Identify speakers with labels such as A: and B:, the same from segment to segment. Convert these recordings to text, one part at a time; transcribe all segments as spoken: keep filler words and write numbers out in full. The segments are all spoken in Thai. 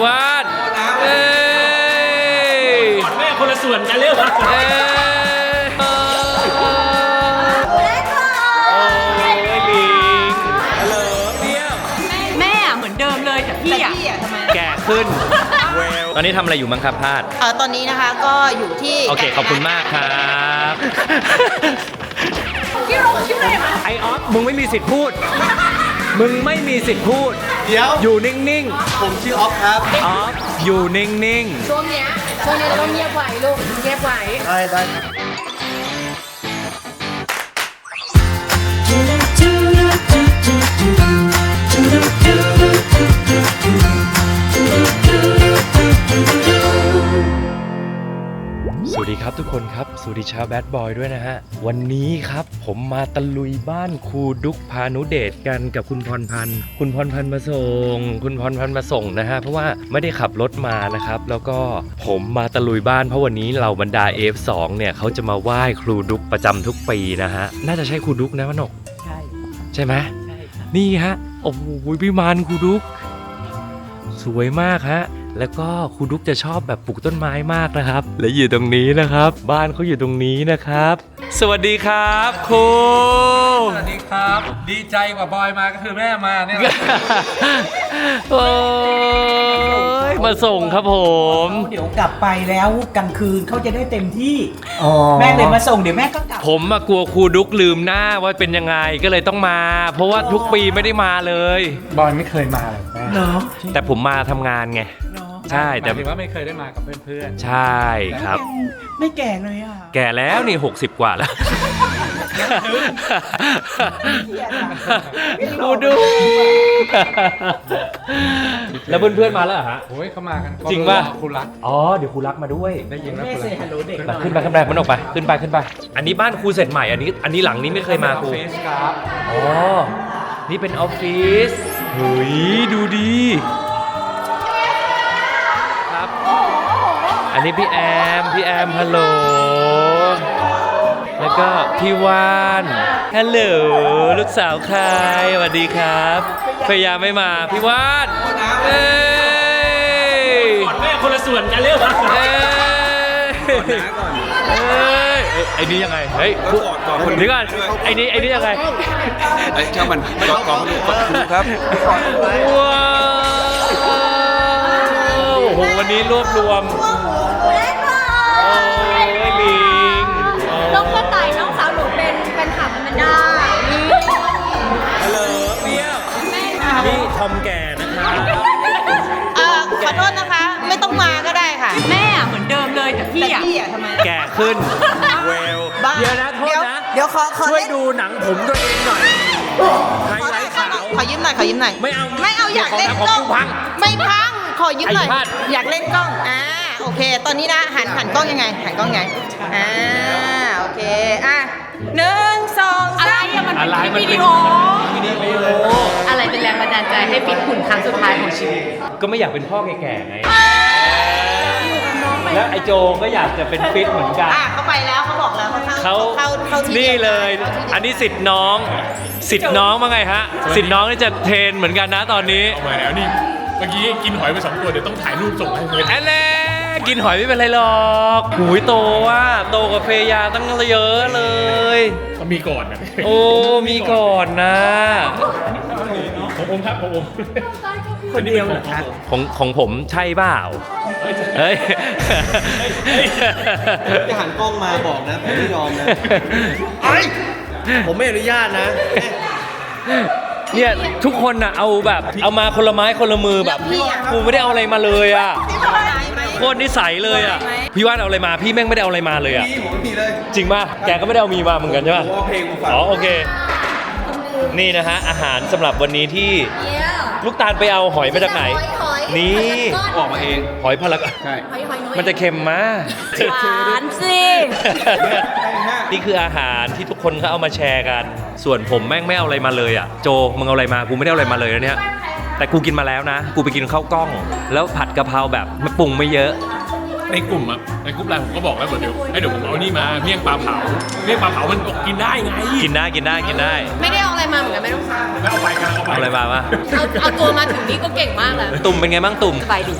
A: วาดเอ้ย
B: แม่คนละส่วนกันเร็วครับ
A: เอ้ยโอ้ยลิงฮัลโหลเปี้ยว
C: แม่เหมือนเดิมเลยแต่พี่อะทำไม
A: แก่ขึ้นตอนนี้ทำอะไรอยู่มั้งครับพาด
D: เออตอนนี้นะคะก็อยู่ที่
A: โอเคขอบคุณมากครับ
C: พี่โรชื่ออะไรมา
A: ไอออฟมึงไม่มีสิทธิ์พูดมึงไม่มีสิทธิ์พูด
E: เดี๋ยว
A: อยู่นิ่ง
E: ๆผมชื่อออฟครับ
A: ออฟอยู่นิ่ง
C: ๆช่วงเนี้ยช่วงนี้เราต้องเงียบไว้ลูกเงียบไว้
E: ได้ได้
A: สวัสดีครับทุกคนครับสวัสดีชาวแบดบอยด้วยนะฮะวันนี้ครับผมมาตะลุยบ้านครูดุ๊กพานุเดชกันกับคุณพรพันธ์คุณพรพันธ์มาส่งคุณพรพันธ์มาส่งนะฮะเพราะว่าไม่ได้ขับรถมานะครับแล้วก็ผมมาตะลุยบ้านเพราะวันนี้เราบรรดา เอฟ สอง เนี่ยเขาจะมาไหว้ครูดุ๊กประจำทุกปีนะฮะน่าจะใช่ครูดุ๊กนะมนก
C: ใช่
A: ใช่ไหม
C: ใช่ครับ
A: นี่ฮะโอ้โหวิมานครูดุ๊กสวยมากฮะแล้วก็ครูดุ๊กจะชอบแบบปลูกต้นไม้มากนะครับและอยู่ตรงนี้นะครับบ้านเขาอยู่ตรงนี้นะครับสวัสดีครับครู
B: สวัสดีครับดีใจกว่าบอยมาก็คือแม่มาเนี่ย
A: โอ้ยมาส่งครับผม
F: เดี๋ยวกลับไปแล้วกลางคืนเขาจะได้เต็มที่แม่เลยมาส่งเดี๋ยวแม่ก็กลับ
A: ผมมากลัวครูดุ๊กลืมหน้าว่าเป็นยังไงก็เลยต้องมาเพราะว่าทุกปีไม่ได้มาเลย
B: บอยไม่เคยมาเลยแม่
F: เนาะ
A: แต่ผมมาทำงานไงใช่แต่
B: ถือว่าไม่เคยได้มากับเพื่อน
A: ๆใช่ครับ
F: ไม่แก่เลยอ่ะ
A: แก่แล้วนี่หกสิบกว่าแล้วครูดุ๊กแล้วเพื่อนๆมาแล้วเหรอฮะ
B: โอ้ยเขามากัน
A: จริงป่ะ
B: ครูรัก
A: อ๋อเดี๋ยวครูรักมาด้วย
B: ได้ยินว่า
F: ครูรัก
A: ขึ้นไปขึ้นไปมันออกไปขึ้นไปขึ้นไปอันนี้บ้านครูเสร็จใหม่อันนี้อันนี้หลังนี้ไม่เคยมาครูอ๋อนี่เป็นออฟฟิศเฮ้ยดูดีครับอันนี้พี่แอมพี่แอมฮัลโหลแล้วก็พี่วานฮัลโหลลูกสาวใครสวัสดีครับพยายามไม่มาพี่วานเอ้ย
B: แม่คนละส่วนกันเร็วครับ
A: เอ้ยเอ้ยไอ้นี่ยังไงเฮ้ยนี่ก่อนไอ้นี่ไอ้นี่ยังไง
E: ไอ้ช่างมันกองกองครูครับ
A: ว้าวโอ้โหวันนี้รวบรวมโอ้ยลิง
C: น้องกระต่ายน้องสาวหนูเป็นเป็นขับมันได้
A: ฮัลโหลเปี้ยวนี่ทอมแก่นะครับ
D: เอ่อขอโทษนะคะไม่ต้องมาก็ได้ค่ะ
C: แม่เหมือนเดิมเลยแต่พี่อะ
D: ทำไม
A: แก่ขึ้นเวลเดี๋ยวนะโทษนะ
D: เดี๋ยวขอ
A: ช่วยดูหนังผมตัวเองหน่อยไฮไลท์ขาว
D: ขอยืมหน่อยขอยืมหน่อย
A: ไม่เอา
D: ไม่เอาอยากเล่นกล้องไม่พังขอยืมหน่อยอยากเล่นกล้องอ่าโอเคตอนนี้นะหันหันกล้องยังไงหันกล้องยังไงอ่าโอเคอ่ะหนึ่งสอง
C: อะไรอะมันเป็นคลิปวิดีโออะไรเป็นแรงบันดาลใจให้ฟิตหุ่นครั้งสุดท้ายของชีวิต
A: ก็ไม่อยากเป็นพ่อแก่ๆไงแล้วไอโจก็อยากจะเป็นฟิตเหมือนกัน
D: อ่ะเขาไปแล้วเขาบอกแล้ว
A: เขาเข้าเข้านี่เลยอันนี้สิทธิ์น้องสิทธิ์น้องว่าไงฮะสิทธิ์น้องนี่จะเทรนเหมือนกันนะตอนนี้
B: เอามาแล้วนี่เมื่อกี้กินหอยไปสองตัวเดี๋ยวต้องถ่ายรูปส่งให้เพื่อน
A: อันนี้กินหอยไม่เป็นไรหรอกหูยโตว่ะโตกับเฟยาตั้งเยอะเลย
B: ก็มีก่อนนะ
A: โอ้มีก่อนนะ
B: ของผมครับของผม
F: คนเดียวเหรอครับ
A: ของของผมใช่เปล่าเฮ้ย
E: จะหันกล้องมาบอกนะผมไม่ยอมนะผมไม่อนุญาตนะ
A: เนี่ยทุกคนน่ะเอาแบบเอามาคนละไม้คนละมือแบบกูไม่ได้เอาอะไรมาเลยอ่ะโคตรนิสัยเลยอ่ะพี่ว่านเอาอะไรมาพี่แม่งไม่ได้เอาอะไรมาเลยอ่ะจริงป่ะแกก็ไม่ได้เอามีมาเหมือนกันใช่ป่ะอ๋อโอเคนี่นะฮะอาหารสำหรับวันนี้ที่ลูกตาลไปเอาหอยมาจากไหนนี่
E: ออกมาเอง
A: หอยพลักใช่มันจะเค็มมาก
C: หวานสิ
A: นี่คืออาหารที่ทุกคนเขาเอามาแชร์กันส่วนผมแม่งไม่เอาอะไรมาเลยอ่ะโจมึงเอาอะไรมากูไม่ได้เอาอะไรมาเลยนะเนี่ยแต่กูกินมาแล้วนะกูไปกินข้าวกล้องแล้วผัดกะเพราแบบไม่ปรุงไม่เยอะ
B: ในกลุ่มอะในกลุ่มไลน์ผมก็บอกแล้วเดี๋ยวให้เดี๋ยวผมเอานี่มาเมี่ยงปลาเผาเมี่ยงปลาเผามันกินได้ไง
A: กินได้กินได้กินได้
D: ไม่ได้เอาอะไร
C: อะไรมาเหมือนกันไม่รู้
B: แล้วเอาไปกันเอาไป
A: เอาอะไรมาวะ
C: เอาเอาตัวมาถึงนี่ก็เก่งมากแล้ว
A: ตุ่มเป็นไงบ้างตุ่ม
C: ไปดิ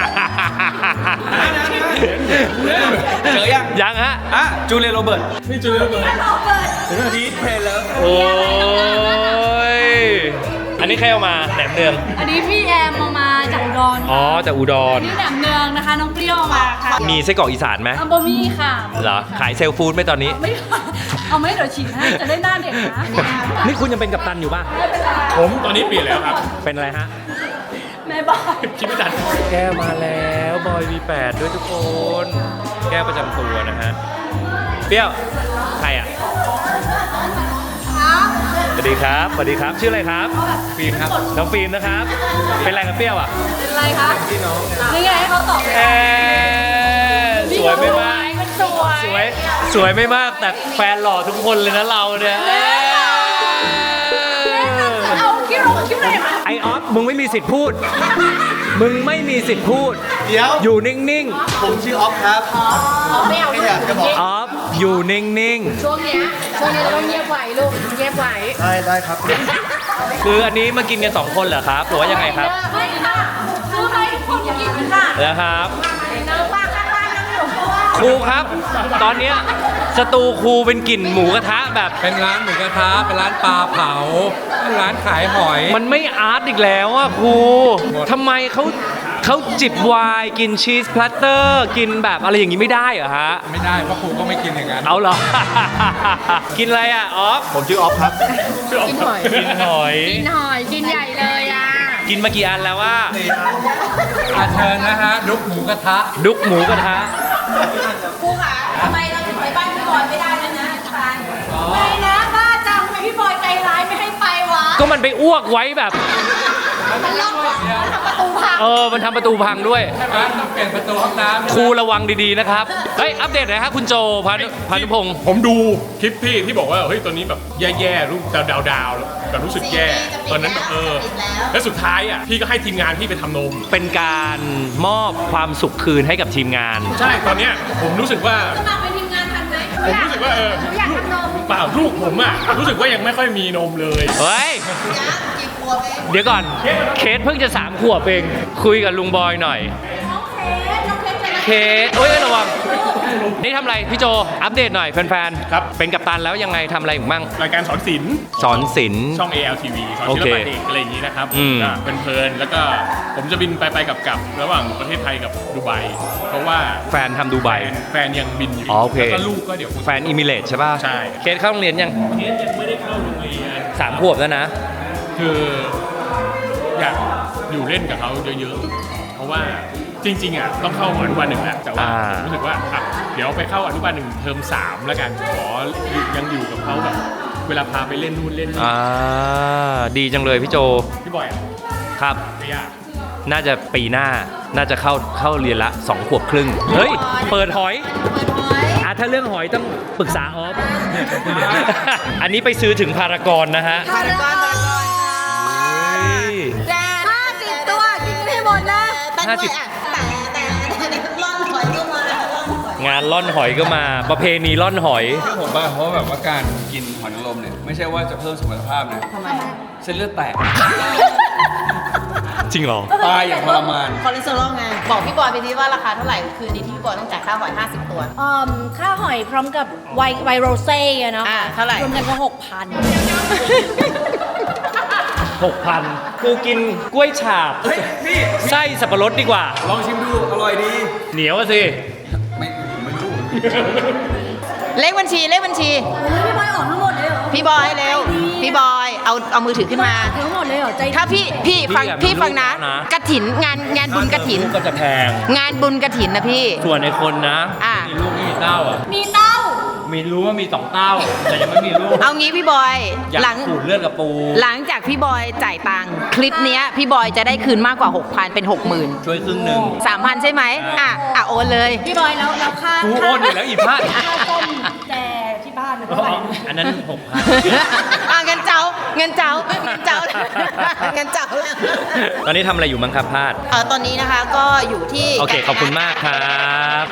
E: เจอยัง
A: ยังฮะ
E: อ่ะจูเลียโรเบิร์ต
B: นี่จูเลียโรเบิร์ต
E: ดีเพลเลอร์
A: โอ้ย อันนี้ใครเอามาแหนมเนือง
G: อันนี้พี่แอมเอามาจากอุดร
A: อ๋อจากอุดร
G: นี่แหนมเนืองนะคะ น้องเปรี้ยวเอามาค่ะ
A: มีไส้กรอกอีสานไหม
G: อัมโบมี่ค่ะ
A: เหรอ ขายเซลฟู้ดไหมตอนนี้
G: ไม่ เอาไม่เดี๋ยวฉีดให้จะได้หน้าเด็กนะ
A: นี่คุณยังเป็นกัปตันอยู่ป่ะ
B: ผมตอนนี้เปลี่ยนแล้วครับ
A: เป็นอะไรฮะ
G: แม่บอก
B: คิดไม่ทัน
A: แก้วมาแล้วบอย วี แปด ด้วยทุกคน แก้วประจำตัวนะฮะ เปรี้ยว ใครอ่ะสวัสดีครับ สวัสดีครับ ชื่ออะไรครับ ฟิล์มครับ น้องฟิล์มนะครับ เป็นอะไรกับเปรี้ยวอ่ะ
G: เป็นไรคะพี่น้องนี่ไงให้เขาตอบ
A: เอ๊ะสวยไม่มาก
G: มันสวย
A: สวย สวยไม่มาก แต่แฟนหล่อทุกคนเลยนะเราเนี่ยเอ๊ะ
G: เอาคิ้วลงคิ้วเลยมา
A: ไอออฟ มึงไม่มีสิทธิ์พูด มึงไม่มีสิทธิ์พูด
E: เดี๋ยว
A: อยู่นิ่ง
E: ผมชื่อออฟครับ
C: ไม่เอา
E: แค่อยากจะบอก
A: ๆ ออฟ อยู่นิ่ง
C: ช่วงเนี้ยช่วงนี้เราต้องเงียบไว้ลูกเงียบไว้
E: ได้ได้ครับ
A: ๆ คืออันนี้มากินกันสองคนเหรอครับ หรือว่ายังไงครับ
G: ไม่ค่ะซื้อไปคนกินค่ะ
A: นะครับ
G: เนื้อป้าข้างบ้านนั่งอยู่
A: ครูครับ ตอนเนี้ยสตูครูเป็นกลิ่นหมูกระทะแบบ
B: เป็นร้านหมูกระทะเป็นร้านปลาเผาเป็นร้านขายหอย
A: มันไม่อาร์ตอีกแล้วอะครู
B: หมด
A: ทำไมเขาเขาจิบไวน์กินชีสพลัตเตอร์กินแบบอะไรอย่างนี้ไม่ได้เหรอฮะ
B: ไม่ได้เพราะครูก็ไม่กินอย่างนั้น
A: เอาเหรอ กินอะไรอะออฟ
E: ผมชื่อออฟครับ
C: กินหอย
A: กินหอย
C: กินหอยกินใหญ่เลยอ่ะ
A: กินมากี่อันแล้วว่า
B: อาเชิญนะฮะดุกหมูกระทะ
A: ดุกหมูกระทะ
G: ครูค่ะทำไมเราถึงไปบ้านพี่บอยไม่ได้แล้วนะอาจารย์ไม่นะบ้าจังทำไมพี่บอยใจร้ายไม่ให้ไปวะ
A: ก็มันไปอ้วกไว้แบบ
G: มันล็อกมันทำประตูพัง
A: เออ มันทำประตูพังด้วย
B: ใช่ไหมต้องเปลี่ยนประตูห้องน้ำ
A: ครูระวังดีๆนะครับ เฮ้ย อัปเดตหน่อยครับคุณโจพานุพานุพงศ์
H: ผมดูคลิปพี่ที่บอกว่าเฮ้ยตัวนี้แบบแย่ๆรูปดาวดาวๆแบบรู้สึกแย่ ตอนนั้นแบบเออ แล้วสุดท้ายอ่ะพี่ก็ให้ทีมงานพี่ไปทำนม
A: เป็นการมอบความสุขคืนให้กับทีมงาน
H: ใช่ตอนเนี้ยผมรู้สึกว่า
G: สมัครเป็นทีมงานทันไหม
H: ผมรู้สึกว่าเออลูกเปล่าลูกผมอ่ะรู้สึกว่ายังไม่ค่อยมีนมเลย
A: เฮ้ย เดี๋ยวก่อน เคสเพิ่งจะสามขวบเอง คุยกับลุงบอยหน่อย
G: น้องเคสน้องเคสจะ
A: เคสโอ้ยระวัง นี่ทำอะไรพี่โจ อัปเดตหน่อยแฟนๆ
H: ครับ
A: เป็นกัปตันแล้วยังไงทำอะไรอีกบ้าง
H: รายการสอนศิลป์
A: สอนศิลป์
H: ช่อง เอ แอล ที วี สอนศิล
A: โอเค
H: ปะเด็กอะไรอย่างนี้นะครับ
A: อืม
H: ก็เป็นเพลินๆแล้วก็ผมจะบินไปไปๆกลับๆระหว่างประเทศไทยกับดูไบเพราะว่า
A: แฟนทำดูไบ
H: แฟนแฟนยังบินอยู่
A: อ๋อโอเค
H: แล้วก็ลูกก็เดี๋ยวคง
A: แฟนอิมิเลตใช่ป่ะ
H: ใช่
A: เคสเข้าโรงเรียนยัง
H: เคสยังไม่ได้เข้าโรงเรียน
A: สามขวบแล้วนะ
H: คืออยากอยู่เล่นกับเขาเยอะๆ เพราะว่าจริงๆอ่ะต้องเข้าอนุบาลหนึ่งแหละแต่ว่า
A: อ่า
H: รู้สึกว่าอ่ะเดี๋ยวไปเข้าอนุบาลหนึ่งเทอมสามแล้วกันขอยังอยู่กับเขาแบบเวลาพาไปเล่นนู่นเล่นนี่
A: อ่า ดีจังเลยพี่โจ
H: พี่บอยอ่ะ
A: ครับ
H: ไม่ยาก
A: น่าจะปีหน้า น่าจะเข้าเข้าเรียนละสองขวบครึ่ง เฮ้ย เปิดหอย
G: เปิดหอย
A: อ่ะถ้าเรื่องหอยต้องปรึกษาออฟ อันนี้ไปซื้อถึงพารากอนนะฮะ
D: พารากอนพารากอน
A: เฮ้ย
G: ห้าสิบตัวกินให้หมดนะ
D: แต่ด้วยอ่ะแต่แต่แต่ร่อนหอยก็มาร่อนหอย
A: งานล่อนหอยก็มา ประเพณีล่อนหอย
I: เชื่อผมป่ะเพราะแบบว่าการกินหอยนางรมเนี่ยไม่ใช่ว่าจะเพิ่มสมรรถภาพนะ
D: ทำไม
I: เส้นเลือดแตก
A: จริงเหรอ
I: ตายอย่างทรมาน
D: คอเลสเตอรอลไง บอกพี่บอยไปดิว่าราคาเท่าไหร่ คืนนี้ที่พี่บอยต้องจ่ายค่าหอยห้าสิบตัว
G: อืมค่าหอยพร้อมกับไวน์ไวน์โรเซ่อะเนาะ
D: อ่าเท่าไหร่
G: รวมกันก็หกพัน
A: หกพันกูกินกล้วยฉาบ
I: เฮ้ย พี่
A: ไส้สับปะรดดีกว่า
I: ลองชิมดู อร่อยดี
A: เหนียวอะสิ
I: ไม่ไม่รู้
D: เลขบัญชีเลขบัญชี
G: พี่บอยออกทั้งหมดเลยเหรอ
D: พี่บอยเร็ว พี่บอยเอาเอามือถือขึ้นมา
G: ทั้งหมดเลยเหรอใจดี
D: ถ้าพี่พี่ฟัง
A: พี่อะ
D: พี่ฟังนะ
A: มีลูกแล้วนะ
D: กระถินงานงานบุญกระถิน
A: ลูกก็จะแพง
D: งานบุญกระถินนะพี่
A: ส่วนในคนนะ
D: อ่ะ
A: มีลูกไม่มีเต้าอ่ะ
G: มีเต้า
A: มีรู้ว่ามีสองเต้า แต่ยังไม่มีลูก
D: เอางี้พี่บอย
A: อยาก
D: หลัง
A: ขูดเลือดกับปู
D: หลังจากพี่บอยจ่ายตังค์คลิปเนี้ยพี่บอยจะได้คืนมากกว่า หกพัน เป็น หกหมื่น
A: ช่วยครึ่งหนึ่ง
D: สามพันใช่ไหมอ่ะอ่ะโอนเลย
G: พี่บอยแล้วแล้วค่า
A: กูโอนอยู่แล้วอีพลาด
G: ค่าต้มแจที่บ้านนะเท่าไหร่นะ
A: อันนั้นหกพัน
D: อ่ะงั้นเจ้าเงินเจ้าเงินเจ้าเงินเจ้า
A: ตอนนี้ทำอะไรอยู่มั้งครับพาด
D: เออตอนนี้นะคะก็อยู่ที่
A: โอเคขอบคุณมากครับ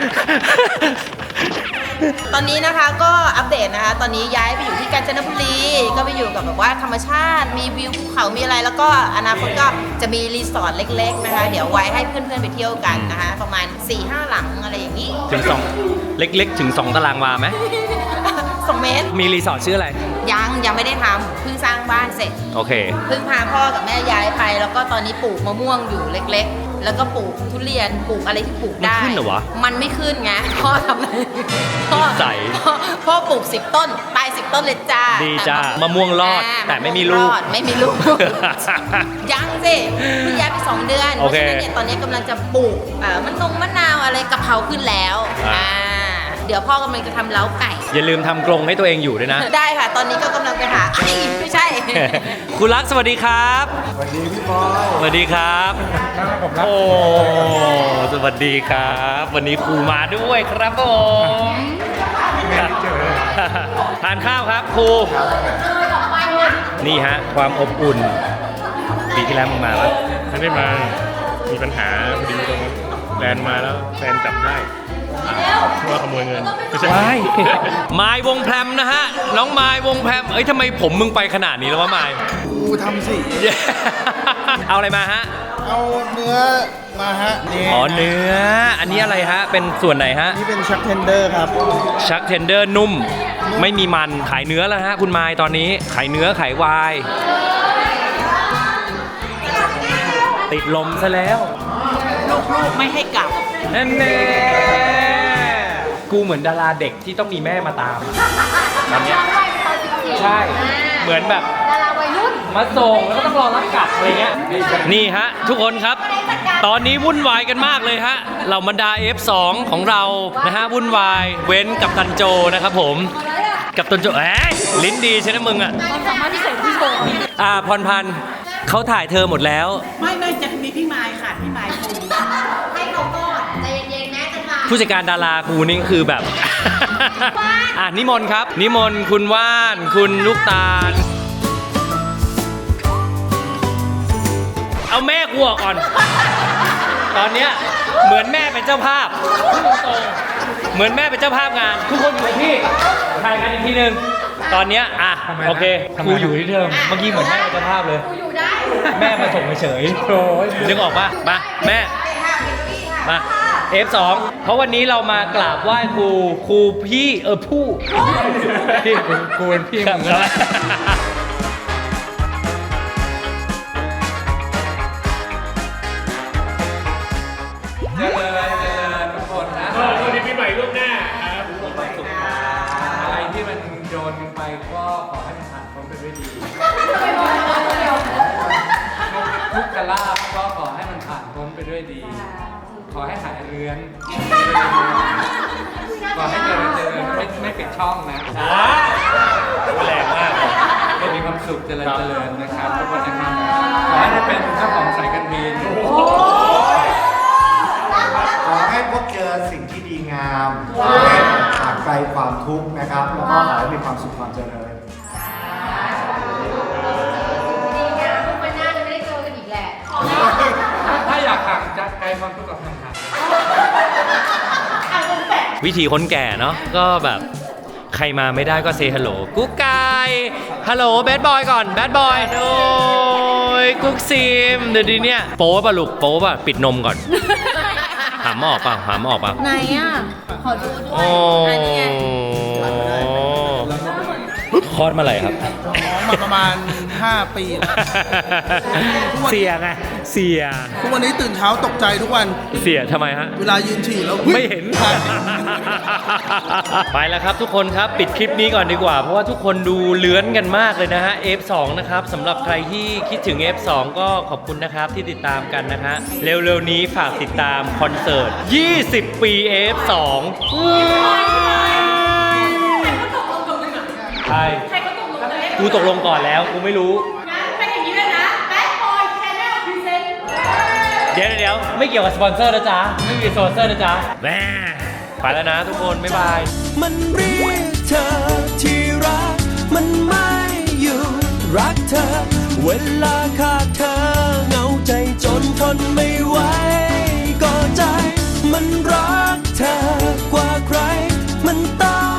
D: ตอนนี้นะคะก็อัปเดตนะคะ ตอนนี้ย้ายไปอยู่ที่กาญจนบุรีก็ไปอยู่กับแบบว่าธรรมชาติมีวิวภูเขามีอะไรแล้วก็อนาคตก็จะมีรีสอร์ทเล็กๆนะคะ เดี๋ยวไว้ให้เพื่อนๆไปเที่ยวกันนะคะ ประมาณ สี่ห้า หลังอะไรอย่างนี้
A: ถึงสองเล็กๆ ถึงสองตารางวาไหม
D: สองเมตร
A: มีรีสอร์ทชื่ออะไร
D: ยังยังไม่ได้ทำเพิ่งสร้างบ้านเสร็จ
A: โอเค
D: เพิ่งพาพ่อกับแม่ย้ายไป แล้วก็ตอนนี้ปลูกมะม่วงอยู่เล็กๆ แล้วก็ปลูกทุเรียนปลูกอะไรที่ปลูกได้
A: มันขึ้นเหรอวะ
D: มันไม่ขึ้นไงพ่อทำพ่อ
A: นิสัย
D: พ่อพ่อปลูกสิบต้นตายสิบต้นเลยจ้า
A: ดีจ้า
D: แต่
A: มะม่วงรอด
D: า
A: แต่ไม่มีลูก
D: รอดไม่มีลูก ยังสิเพิ่งย้ายไปสองเดือน
A: โอเค
D: พราะฉะนั้นเนี่ยตอนนี้กำลังจะปลูกเอ่อมะนงมะนาวอะไรกะเพราขึ้นแล้ว
A: อ่า
D: อ่าเดี๋ยวพ่อกำลังจะทำเล้าไก่
A: อย่าลืมทำกรงให้ตัวเองอยู่ด้วยนะ
D: ได้ค่ะ ตอนนี้ก็กำลังไปหาเอ้ยไม่ใช่
A: คุณรักสวัสดีครับ สวัสดีพี่บอยสวัสดีครับโอ้สวัสดีครับ วันนี้ครูมาด้วยครับผมทานข้าวครับครูนี่ฮะความอบอุ่นปีที่แล้วมึงมาปะ
H: ไม่ได้มา มีปัญหาพอดีตรงนั้นแฟนมาแล้วแฟนจับได้ว่าขโมยเงินไม่ใช่
A: ว้ายไม้วงแพรมนะฮะ น้องไม้วงแพรมเอ้ยทำไมผมมึงไปขนาดนี้แล้ววะไม้
E: กูทำสิ
A: เอาอะไรมาฮะ
E: เอาเนื้อมาฮะนี่
A: อ๋อเนื้อ อันนี้อะไรฮะ เป็นส่วนไหนฮะ
E: นี่เป็นชักเทนเดอร์ครับ
A: ชักเทนเดอร์นุ่ม ไม่มีมันขายเนื้อแล้วฮะ คุณไม้ตอนนี้ขายเนื้อขายวาย ติดลมซะแล้ว
F: ลูกๆไม่ให้กลับ
A: นั่นแน่กูเหมือนดาราเด็กที่ต้องมีแม่มาตามตอนเนี้ยใช่ เหมือนแบบ
G: ดาราวัยรุ่น
A: มาส่งแล้วก็ต้องรอรับกลับอะไรเงี้ย นี่ฮะ ทุกคนครับ ตอนนี้วุ่นวายกันมากเลยฮะ เหล่าบรรดา เอฟ สอง ของเรานะฮะวุ่นวายเว้นกับตันโจนะครับผม กับตันโจเอ้ยลิ้นดีใช่ไหมมึงอ่ะ
G: ความสามารถพิเศษพี่โชว์
A: อ่าพรพันธ์เขาถ่ายเธอหมดแล้ว
F: ไม่ไม่จะมีพี่ไม้ค่ะพี่ไม้คง
G: ให้เขาก่อนใจเย็นๆแม่จะมา
A: ผู้จัดการดารากูนี่คือแบบ อ่ะนิมนต์ครับ นิมนต์คุณว่าน คุณลูกตาล เอาแม่กูออกก่อน ตอนเนี้ยเหมือนแม่เป็นเจ้าภาพพูดตรงๆเหมือนแม่เป็นเจ้าภาพงาน ทุกคนอยู่ที่ถ่ายกันอีกทีหนึ่งตอนเนี้ยอ่ะโอเคกูอยู่ที่เดิมเมื่อกี้เหมือนแม่เป็นเจ้าภาพเลย
G: อยู่ได้
A: แม่มาส่งเฉยๆโอ้ยนึกออกปะมาแม่ มา เอฟ สอง เพราะวันนี้เรามากราบไหว้ครูครูพี่เออผู้พี่ครูเป็นพี่มึงแล้ว
B: เจริญเจริญทุกคนนะ
H: เออสวัสดีปีใหม่ล่วงหน้าครับ
B: อะไรที่มันโดนกันไปก็ขอให้มันผ่านพ้นไปด้วยดีทุกกลาบก็ขอให้มันผ่านพ้นไปด้วยดี ขอให้หายเรือน ขอให้เจริญเจริญไม่ไม่ปิดช่องนะ
A: แรงมาก
B: ให้มีความสุขเจริญเจริญนะครับทุกคนนะครับขอให้ได้เป็นเจ้าของสายการบิน
J: ขอให้พบเจอสิ่งที่ดีงามขอให้ห่างไกลความทุกข์นะครับ แล้วก็ขอให้มีความสุขความเจริญ
G: ดีงามทุกวันหน้าจะไม่ได้เจอกันอีกแหละ
B: ถ้าอยากห่างจากไกลความทุกข์กับห่างๆ
A: วิธีคนแก่เนาะก็แบบใครมาไม่ได้ก็เซฮัลโหลกุ๊กไก่ฮัลโหลแบดบอยก่อนแบดบอยโอ้ยกุ๊กซิมเดี๋ยวนี้เนี่ยโป๊ป่ะลูกโป๊ป่ะปิดนมก่อน หามออกป่ะหามออกป่ะ
G: ไหนอ่ะ ขอดูด้วย
A: โอ้คลอดเมื่อไหร่ครับ
E: มาประมาณ ห้า ปี
A: เสียไงเสีย
E: ทุกวันนี้ตื่นเช้าตกใจทุกวัน
A: เสียทำไมฮะ
E: เวลายืนฉี่แล้ว
A: ไม่เห็น ไปแล้วครับทุกคนครับปิดคลิปนี้ก่อนดีกว่า เพราะว่าทุกคนดูเลื้อนกันมากเลยนะฮะ เอฟ สอง นะครับสำหรับใครที่คิดถึง เอฟ สอง ก็ขอบคุณนะครับที่ติดตามกันนะฮะเร็วๆนี้ฝากติดตามคอนเสิร์ต ยี่สิบ ปี เอฟ สอง ใช่กูตกลงก่อนแล้วกูไม่รู้
G: เป็นอย่างนี้เลยนะ Bad Boy Channel Present
A: เดี๋ยวเดี๋ยวไม่เกี่ยวกับสปอนเซอร์นะจ๊ะ ไม่มีสปอนเซอร์นะจ๊ะแม่ไปแล้วนะทุกคน บ๊ายบาย
K: มันเรียกเธอที่รักมันไม่อยู่รักเธอเวลาขาดเธอเหงาใจจนทนไม่ไหวก็ใจมันรักเธอกว่าใครมันต้อง